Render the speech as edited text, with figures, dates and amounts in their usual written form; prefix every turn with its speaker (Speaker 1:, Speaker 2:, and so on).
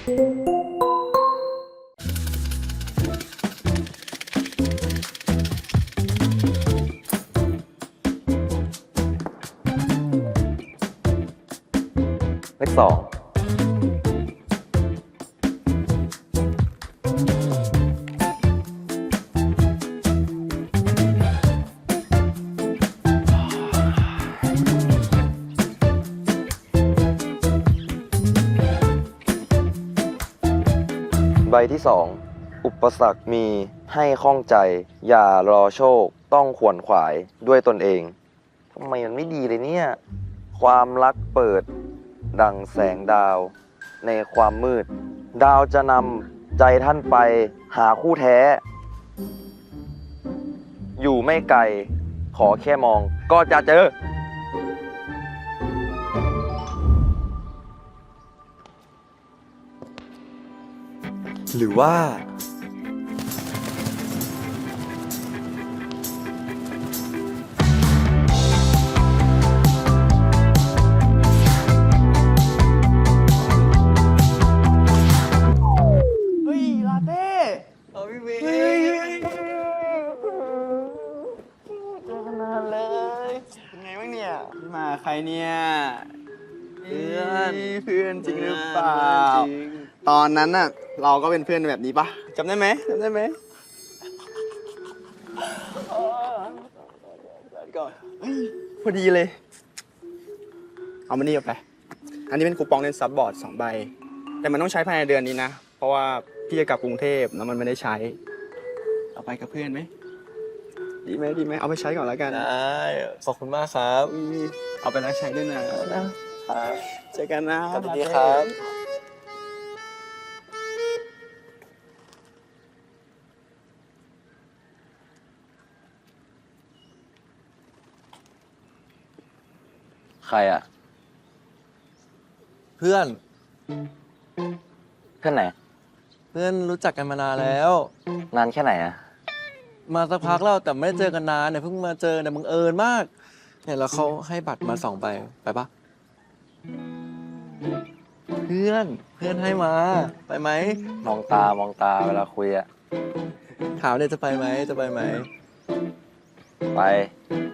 Speaker 1: เลขสองใบที่สองอุปสรรคมีให้ข้องใจ อย่ารอโชคต้องขวนขวายด้วยตนเองทำไมมันไม่ดีเลยเนี่ย ความรักเปิดดังแสงดาวในความมืด ดาวจะนำใจท่านไปหาคู่แท้ อยู่ไม่ไกลขอแค่มองก็จะเจอ
Speaker 2: หรือว่าเฮ้ยลาเต้เอาพี่เมย์เฮ้ยเจอกันนานเลยเป็นไงบ้างเนี่ยมาใครเนี่ยเพื่อนจริงหรือเปล่าตอนนั้นน่ะเราก็เป็นเพื่อนแบบนี้ปะจำได้ไหมก่อนพอดีเลยเอามานี่เอาไปอันนี้เป็นคูปองเล่นซับบอร์ด2 ใบแต่มันต้องใช้ภายในเดือนนี้นะเพราะว่าพี่จะกลับกรุงเทพแล้วมันไม่ได้ใช้เอาไปกับเพื่อนไหมดีไหมเอาไปใช้ก่อนแล้วกัน
Speaker 3: ได้ขอบคุณมากครับ
Speaker 2: เอาไปแล้วใช้ด้วยนะเจอกันนะ
Speaker 3: สวัสดีครับ
Speaker 1: ใครอ่ะ
Speaker 3: เพื่อน
Speaker 1: เพื่อนไหน
Speaker 3: เพื่อนรู้จักกันมานานแล้ว
Speaker 1: นานแค่ไหนอ่ะ
Speaker 3: มาสักพักแล้วแต่ไม่ได้เจอกันนานเนี่ยเพิ่งมาเจอเนี่ยบังเอิญมากเนี่ยแล้วเขาให้บัตรมา2 ใบไปปะเพื่อนให้มาไปไหม
Speaker 1: มองตาเวลาคุยอ่ะ
Speaker 3: ถามเนี่ยจะไปไหม
Speaker 1: ไป